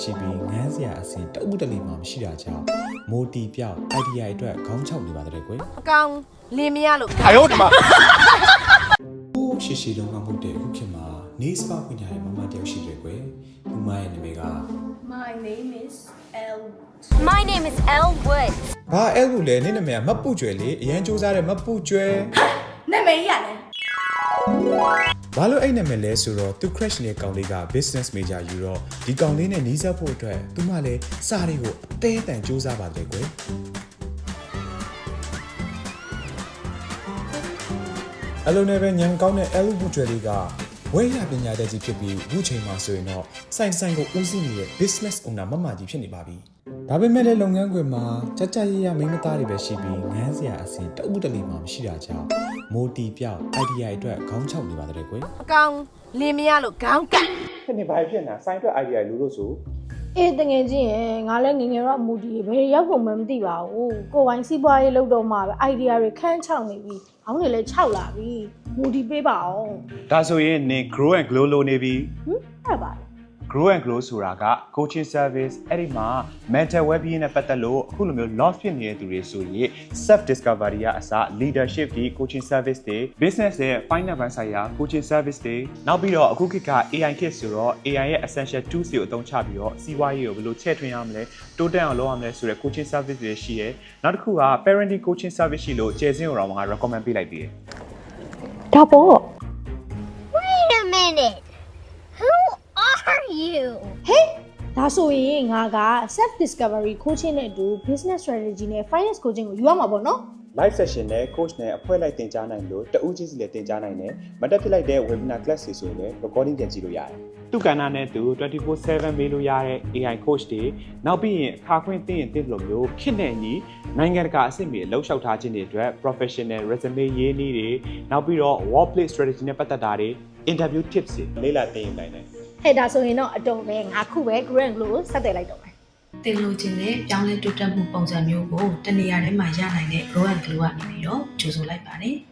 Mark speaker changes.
Speaker 1: ရှိပြီးငန်းစရာအစဉ်တအုပ်တလီမှမရှိတာကြောင့်မိုတီပြောက် idea အတွက်ခေါင်းချောက်နေပါတဲ့ကွယ်
Speaker 2: အကောင်လင်းမရလို့
Speaker 3: 哎呦我的妈！
Speaker 1: ရှေ့ရှေ့လုံးကမဟုတ်တဲ့အခုခေတ်မှာနေစပါခွင့်ထားတဲ့မမတယောက်ရှိတယ်ကွယ်သူမရဲ့နာမည်က
Speaker 4: My name is El.
Speaker 5: My name is Elle Woods.
Speaker 1: ဘာအဲ့လိုလဲနင့်နာမည်ကမပူကျွဲလေအရန်စူးစားတဲ့မပူကျွဲ
Speaker 4: နာမည်ရလဲ
Speaker 1: ဘာလို့အဲ့နာမည်လဲဆိုတော့သူ crash နဲ့ကောင်လေးက business major ယူတော့ဒီကောင်လေးနဲ့နှီးစပ်ဖို့အတွက်သူမလည်းစာတွေကိုအသေးအတန်စူးစားပါတယ်ကွယ်အလုံးနဲ့ပဲညံကောင်းတဲ့အဲ့လိုပူကျွဲလေးကဝဲရပညာတတ်ကြီးဖြစ်ပြီးအခုချိန်မှာဆိုရင်တော့ဆိုင်ကိုဦးစီးနေတဲ့ business owner မမကြီးဖြစ်နေပါပြီဒါပေမဲ့လည်းလုပ်ငန်းခွင်မှာကြကြရရမိန်းမသားတွေပဲရှိပြီးငန်းစရာအစဉ်တအုပ်တလီမှမရှိတာကြောင့်မိုတီပြောက် idea အတွက်ခေါင်းချောက်နေပါတဲ့ကွယ်
Speaker 2: အကောင်လင်းမရလို့ခေါင်းကပ်
Speaker 1: ဖြစ်နေပါဖြစ်နေတာဆိုင်အတွက် idea လူလို့ဆို
Speaker 4: အေးတငယ်ချင်းရင်ငါလည်းငငယ်တော့မူဒီဘယ်ရောက်ဖို့မှမသိပါဘူးကိုပိုင်စီးပွားရေးလုပ်တော့မှပဲ idea တွေခန်းချောက်နေပြီခေါင်းတွေလည်းခြောက်လာပြီမူဒီပေးပါအောင်
Speaker 3: ဒါဆိုရင်နင် grow and glow လို့နေပြီ
Speaker 4: အဲ့ပါလေ
Speaker 3: grow and glow ဆိုတာက coaching service အဲ့ဒီမှာ mental well-being နဲ့ပတ်သက်လို့အခုလိုမျိုး lost ဖြစ်နေတဲ့သူတွေဆိုရင် self discovery ကအစ leadership တွေ coaching service တွေ business ရဲ့ finance ဘဏ်ဆိုင်ရာ coaching service တွေနောက်ပြီးတော့အခုခေတ်က AI ခေတ်ဆိုတော့ AI ရဲ့ essential tools တွေကိုအသုံးချပြီးတော့စီးပွားရေးကိုဘယ်လိုချဲ့ထွင်ရမလဲတိုးတက်အောင်လုပ်ရမလဲဆိုတဲ့ coaching service တွေရှိရဲနောက်တစ်ခုက parenting coaching service ရှိလို့ကျယ်စင်းကိုတော့ငါ recommend ပေးလိုက်သေးတယ်
Speaker 4: ဒါပေါ့
Speaker 5: Wait a minute. Who are you?
Speaker 4: ဒါဆိုရင်ငါက self discovery coaching နဲ့အတူ business strategy နဲ့ finance coaching ကိုယူရမှာပေါ့နော်
Speaker 1: live session နဲ့ coach နဲ့အဖွဲ့လိုက်တင်ကြားနိုင်လို့တဦးချင်းစီလည်းတင်ကြားနိုင်တယ်မတက်ဖြစ်လိုက်တဲ့ webinar class တွေဆိုရင်လည်း recording ပြန်ကြည့်လို့ရတယ်
Speaker 3: သူကဏ္ဍနဲ့သူ 24/7 မေးလို့ရတဲ့ AI coach တွေနောက်ပြီးရင်အခါခွင့်သိရင်သိလို့မျိုးခစ်နေညီနိုင်ငံတကာအဆင့်မီလှုပ်ရှောက်ထားခြင်းတွေအတွက် professional resume ရေးနည်းတွေနောက်ပြီးတော့ workplace strategy နဲ့ပတ်သက်တာတွေ interview tips တွေလေ့လာသင်ယူနိုင်တယ်
Speaker 4: ဟဲ့ဒါဆိုရင်တော့အတုံးပဲငါခုပဲ grand glow ကိုဆက်သွယ်လိုက်တော့မယ်
Speaker 6: တင်လို့ခြင်းနဲ့ပြောင်းလဲတိုးတက်မှုပုံစံမျိုးကိုတနေရာထဲမှာရနိုင်တဲ့ grow and glow ကနေပြီးတော့ကြိုးဆိုလိုက်ပါတယ်